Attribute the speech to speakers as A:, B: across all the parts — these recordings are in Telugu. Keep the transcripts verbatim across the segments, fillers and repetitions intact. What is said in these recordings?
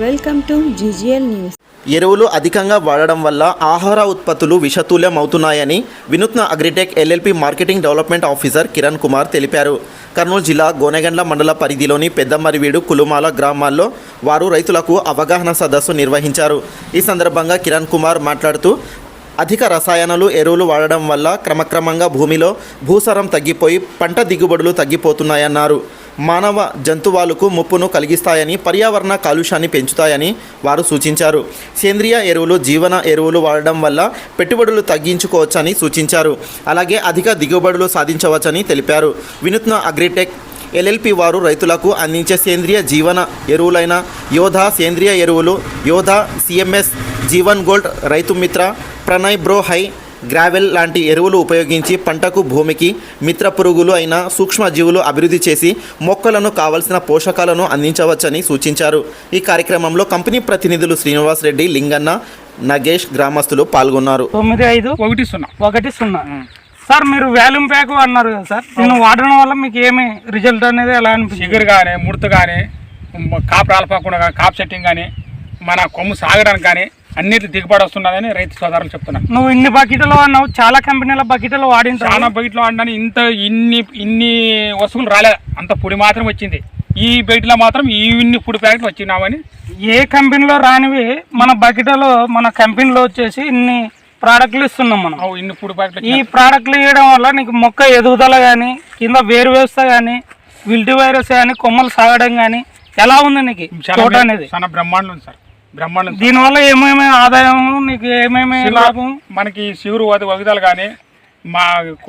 A: Welcome to GGL news.
B: ఎరువులు అధికంగా వాడడం వల్ల ఆహార ఉత్పత్తులు విషతుల్యం అవుతున్నాయని వినూత్న agritech LLP marketing development officer Kiran Kumar తెలిపారు. కర్నూలు జిల్లా గోనెగండ్ల మండల పరిధిలోని పెద్దమరివీడు కులుమాల గ్రామాల్లో వారు రైతులకు అవగాహన సదస్సు నిర్వహించారు. ఈ సందర్భంగా కిరణ్ కుమార్ మాట్లాడుతూ అధిక రసాయనాలు ఎరువులు వాడడం వల్ల క్రమక్రమంగా భూమిలో భూసారం తగ్గిపోయి పంట దిగుబడులు తగ్గిపోతున్నాయన్నారు. మానవ జంతువులకు ముప్పును కలిగిస్తాయని, పర్యావరణ కాలుష్యాన్ని పెంచుతాయని వారు సూచించారు. సేంద్రియ ఎరువులు, జీవన ఎరువులు వాడడం వల్ల పెట్టుబడులు తగ్గించుకోవచ్చని సూచించారు. అలాగే అధిక దిగుబడులు సాధించవచ్చని తెలిపారు. వినూత్న అగ్రిటెక్ ఎల్ఎల్పి వారు రైతులకు అందించే సేంద్రియ జీవన ఎరువులైన యోధా సేంద్రియ ఎరువులు, యోధా సిఎంఎస్, జీవన్ గోల్డ్, రైతు మిత్ర, ప్రణయ్ బ్రో హై, గ్రావెల్ లాంటి ఎరువులు ఉపయోగించి పంటకు, భూమికి మిత్ర పురుగులు అయిన సూక్ష్మజీవులు అభివృద్ధి చేసి మొక్కలను కావలసిన పోషకాలను అందించవచ్చని సూచించారు. ఈ కార్యక్రమంలో కంపెనీ ప్రతినిధులు శ్రీనివాస్ రెడ్డి, లింగన్న, నగేష్, గ్రామస్తులు పాల్గొన్నారు.
C: తొమ్మిది ఐదు ఒకటి సున్నా ఒకటి సున్నా సార్, మీరు వాల్యూమ్ ప్యాక్ అన్నారు కదా సార్, దీన్ని వాడడం వల్ల మీకు ఏమి రిజల్ట్ అనేది ఎలా అనిపిస్తుంది?
D: షుగర్ కానీ, ముడత కానీ, కాపు రాలపోకుండా కానీ, కాపు సెట్టింగ్ కానీ, మన కొమ్ము సాగడానికి కానీ అన్నిటి దిగుబడి వస్తున్నదని రైతు సోదరులు చెప్తున్నాను.
C: నువ్వు ఇన్ని బకెట్లు వాడినావు, చాలా కంపెనీల బకెట్లు వాడిన
D: చాలా బకెట్లు వాడినాను. ఇంత ఇన్ని ఇన్ని వస్తువులు రాలేదు, అంత పొడి మాత్రం వచ్చింది. ఈ బకెట్లో మాత్రం ఇన్ని పొడి ప్యాకెట్లు వచ్చినామని.
C: ఏ కంపెనీలో రానివి మన బకెట్లో మన కంపెనీలో వచ్చేసి ఇన్ని ప్రోడక్ట్లు ఇస్తున్నాం మనం.
D: ఇన్ని పొడి ప్యాకెట్లు
C: ఈ ప్రోడక్ట్లు ఇవ్వడం వల్ల నీకు మొక్క ఎదుగుదల కానీ, కింద వేరు వ్యవస్థ కానీ, విల్టి వైరస్ కానీ, కొమ్మలు సాగడం కానీ ఎలా ఉంది నీకు తోట అనేది?
D: చాలా బ్రహ్మాండం ఉంది సార్, బ్రహ్మాండం.
C: దీనివల్ల ఏమేమి ఆదాయం, నీకు ఏమేమి లాభం?
D: మనకి శివురు వగదాలు కానీ, మా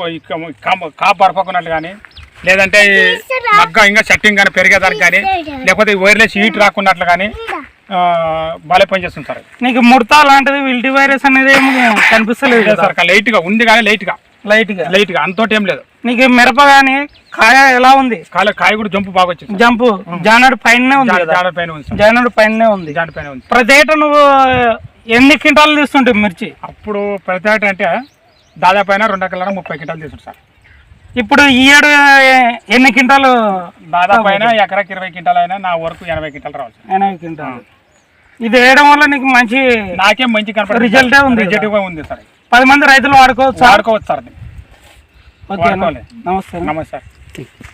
D: కాపు పరపకున్నట్లు కానీ, లేదంటే మగ్గ ఇంకా సెట్టింగ్ కానీ పెరిగేదానికి కానీ, లేకపోతే వైర్లెస్ హీట్ రాకున్నట్లు కానీ బాగా పనిచేస్తుంది సార్.
C: నీకు ముడత లాంటిది, విల్టి వైరస్ అనేది ఏమి కనిపిస్తలేదు
D: సార్. లైట్గా ఉంది కానీ లైట్గా
C: లైట్గా
D: లైట్గా అంతోటి ఏం లేదు.
C: నీకు మిరప కానీ కాయ ఎలా ఉంది?
D: కాయ కాయ కూడా జంపు బాగా వచ్చింది.
C: జంపు జానడు పైన ఉంది,
D: జానడు పైన ఉంది,
C: జానడు పైన ఉంది,
D: జానడు పైన ఉంది.
C: ప్రతి ఏటా నువ్వు ఎన్ని క్వింటాలు తీసుకుంటావు మిర్చి?
D: అప్పుడు ప్రతి ఏటా అంటే దాదాపు అయినా రెండు ఎకరాల ముప్పై క్వింటాలు తీసుకుంటారు సార్.
C: ఇప్పుడు ఈ ఏడు ఎన్ని క్వింటాలు?
D: దాదాపు అయినా ఎకరాకి ఇరవై క్వింటాలు అయినా నా వరకు ఎనభై క్వింటాలు రావచ్చు.
C: ఎనభై క్వింటాలు. ఇది వేయడం వల్ల నీకు మంచి,
D: నాకేం మంచి కనపడ
C: రిజల్టే ఉంది,
D: రిజల్ట్గా ఉంది సార్.
C: పది మంది రైతులు వాడుకోవచ్చు
D: వాడుకోవచ్చు సార్.
C: ఓకే, నమస్తే
D: నమస్తే సార్.